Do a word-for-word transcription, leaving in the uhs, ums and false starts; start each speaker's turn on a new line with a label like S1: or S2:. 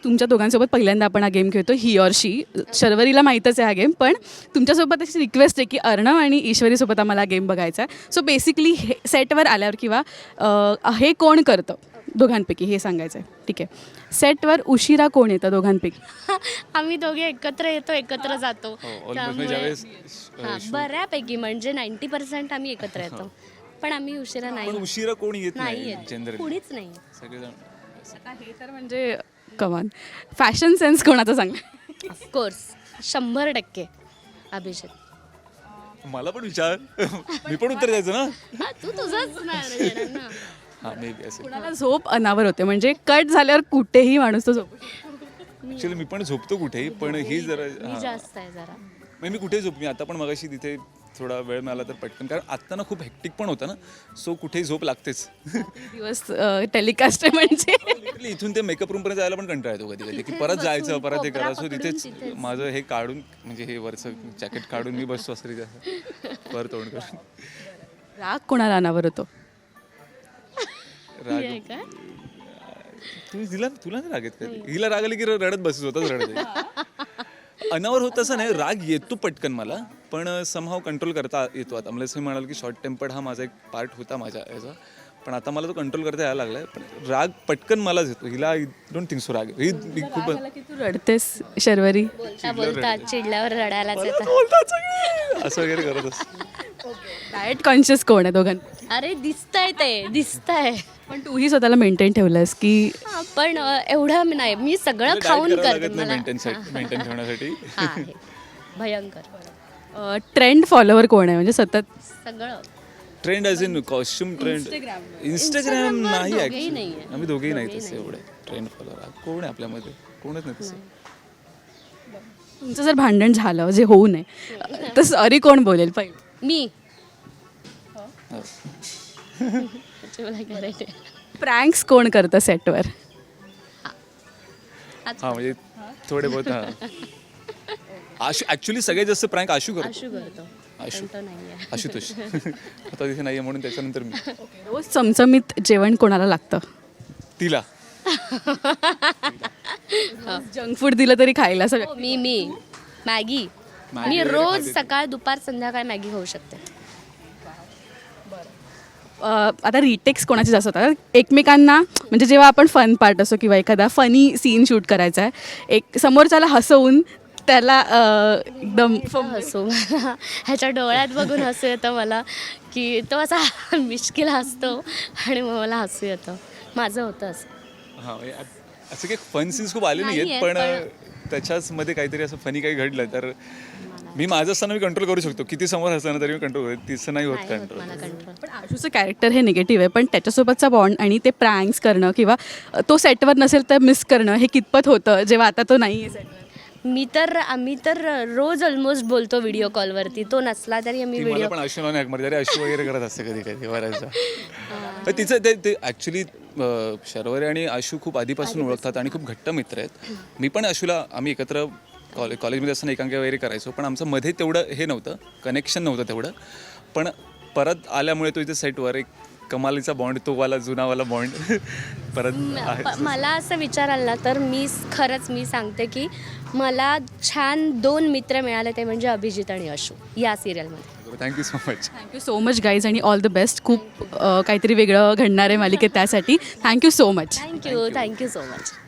S1: तुमच्या दोघांसोबत पहिल्यांदा आपण हा गेम खेळतो, ही ऑर शी. शर्वरीला माहीतच आहे हा गेम, पण तुमच्यासोबत अशी रिक्वेस्ट आहे की अर्णव आणि ईश्वरीसोबत आम्हाला हा गेम बघायचा आहे. सो बेसिकली हे सेटवर आल्यावर किंवा अ, हे कोण करतं दोघांपैकी हे सांगायचं आहे. ठीक आहे. सेटवर उशिरा कोण येतं दोघांपैकी?
S2: आम्ही दोघे एकत्र येतो, एकत्र जातो.
S3: हो, almost
S2: त्यामुळे
S3: ज्यावेळेस
S2: हां, बऱ्यापैकी म्हणजे नाईंटी पर्सेंट आम्ही एकत्र येतो. पण आम्ही उशिरा नाही
S3: पण उशिरा कोणी येत
S2: नाही
S3: नाही
S2: येत.
S3: जनरली
S2: कुणीच नाही.
S3: सगळेजण.
S1: आता हे तर म्हणजे कमान. फॅशन सेन्स कोणाचा चांगला?
S2: ऑफकोर्स शंभर टक्के अभिजित.
S3: मला पण विचार मी पण उत्तर द्यायचं ना.
S2: हा, तू तुझंच नाही देणार ना.
S3: हां मे बी असेल.
S1: कुणाला झोप अनावर होते म्हणजे कट झाल्यावर कुठेही माणूस तो झोप.
S3: ॲक्च्युली मी पण झोपतो कुठेही, पण ही जरा
S2: मी
S3: हां.
S2: जास्त आहे जरा.
S3: म्हणजे मी कुठेही झोप मी आता पण मगाशी तिथे थोडा वेळ मिळाला तर पटकन, कारण आत्ता ना खूप हेक्टिक पण होतं ना, सो कुठेही झोप लागतेच.
S1: दिवस टेलिकास्ट आहे म्हणजे.
S3: Literally इथून ते मेकअप रूमपर्यंत जायला पण कंटाळा येतो कधी कधी की परत जायचं परत हे करा. सो तिथेच माझं हे काढून म्हणजे हे वरचं जॅकेट काढून मी बसतो असं तिथे पर तोंड करून.
S1: राग कोणाला अनावर होतो?
S3: राग
S2: हे काय?
S3: तुम्ही तिला तुला नाही राग येत कधी? हिला राग आली की रडत बसत स्वतःच रडत आहे. अनावर होत असं नाही, राग येतो पटकन मला, पण समहाव कंट्रोल करता येतो. आता मला असं म्हणाल की शॉर्ट टेम्पर्ड हा माझा एक पार्ट होता माझ्या याचा, पण आता मला तो कंट्रोल करता यायला लागलाय. पण राग पटकन मलाच येतो, हिला डोंट थिंक सो राग ही ही खूप
S1: मला की तू रडतेस शर्वरी?
S2: बोलता बोलता चिडल्यावर रडायलाच येतं.
S3: बोलतात सगळे असं वगैरे करत असतो.
S1: डाएट कॉन्शियस कोण आहे दोघां?
S2: अरे दिसतंय ते दिसतंय.
S1: पण तूही स्वतःला मेंटेन ठेवलंस की?
S2: हा, पण अ, एवढं मी नाही, मी सगळं खाऊन करते. मला
S3: मेंटेन मेंटेन ठेवण्यासाठी.
S2: हा, आहे. भयंकर
S1: ट्रेंड फॉलोवर कोण आहे म्हणजे सतत?
S2: सगळं.
S3: Trend as in costume trend Instagram नाही
S2: दोघेही
S3: ॲक्च्युली.
S2: नाहीये.
S3: आम्ही दोघेही नाही तसे एवढे ट्रेंड फॉलोअर. कोण आहे आपल्यामध्ये? कोणच नाही तसं.
S1: तुमचं जर भांडण झालं जे होऊ नये तर सॉरी कोण बोलेल पहिले?
S2: मी त्याची मला गॅरंटी आहे.
S1: प्रँक्स कोण करतं सेटवर?
S3: हां म्हणजे थोडे बहुत हां. आशू ॲक्च्युली सगळ्यात जास्त प्रँक आशू करतो.
S2: आशू करतो.
S3: आशू
S2: पण तो नाहीये.
S3: आशुतोष आता तिथे नाही आहे म्हणून त्याच्यानंतर मी
S1: रोज चमचमीत जेवण कोणाला लागतं?
S3: तिला.
S1: जंक फूड दिलं तरी खायला सगळं.
S2: हो, मी मी मॅगी.
S3: मॅगी
S2: मी
S3: वगैरे
S2: रोज
S3: खाते.
S2: सकाळ दुपार संध्याकाळ मॅगी खाऊ शकते.
S1: अ, आता रिटेक्स कोणाचे जास्त होतात एकमेकांना, म्हणजे जेव्हा आपण फन पार्ट असो किंवा एखादा फनी सीन शूट करायचा आहे, एक समोरच्याला हसवून त्याला अ, एकदम
S2: हसू मला ह्याच्या डोळ्यात बघून हसू येतं मला, की तो असा मिश्किल हसतो आणि मग मला हसू येतं. माझं होतं असं.
S3: हां म्हणजे असं काही फन सीन्स खूप आले नाही आहेत,
S2: नाहीयेत,
S3: पण त्याच्याच मध्ये काहीतरी असं फनी काही घडलं तर मी माझं असताना मी कंट्रोल करू शकतो. किती समोर असताना तरी मी कंट्रोल करू, तिचं नाही होत
S2: नाही होत
S3: कंट्रोल.
S2: मला कंट्रोल.
S1: पण आशूचं कॅरेक्टर हे निगेटिव्ह आहे, पण त्याच्यासोबतचा बॉन्ड आणि ते प्रँक्स करणं किंवा तो सेटवर नसेल तर मिस करणं हे कितपत होतं जेव्हा आता तो नाही आहे सेटवर?
S2: मी तर आम्ही तर रोज ऑलमोस्ट बोलतो व्हिडिओ कॉलवरती. तो नसला तरी आम्ही
S3: ती मला
S2: व्हिडिओ
S3: पण आशू नाही हाक मारते, अरे आशू वगैरे करत असते कधी कधी बऱ्याचदा. तर तिचं ते ते ॲक्च्युली शर्वरी आणि आशू खूप आधीपासून ओळखतात आणि खूप घट्ट मित्र आहेत. मी पण आशूला आम्ही एकत्र कॉलेज कॉलेजमध्ये असताना एकांकी वगैरे करायचो, पण आमचं मध्ये तेवढं हे नव्हतं, कनेक्शन नव्हतं तेवढं. पण परत आल्यामुळे तो इथे सेटवर एक कमालीचा बॉन्ड, तो वाला जुनावाला बॉन्ड परत आहे.
S2: प- मला असं विचार आला तर मी स- खरंच मी सांगते की मला छान दोन मित्र मिळाले, ते म्हणजे अभिजित आणि अशू या सिरियलमध्ये.
S3: Thank you so much.
S1: Thank you so much guys आणि ऑल द बेस्ट. खूप अ, काहीतरी वेगळं घडणार आहे मालिकेत, त्यासाठी thank you so much.
S2: Thank you thank you so much.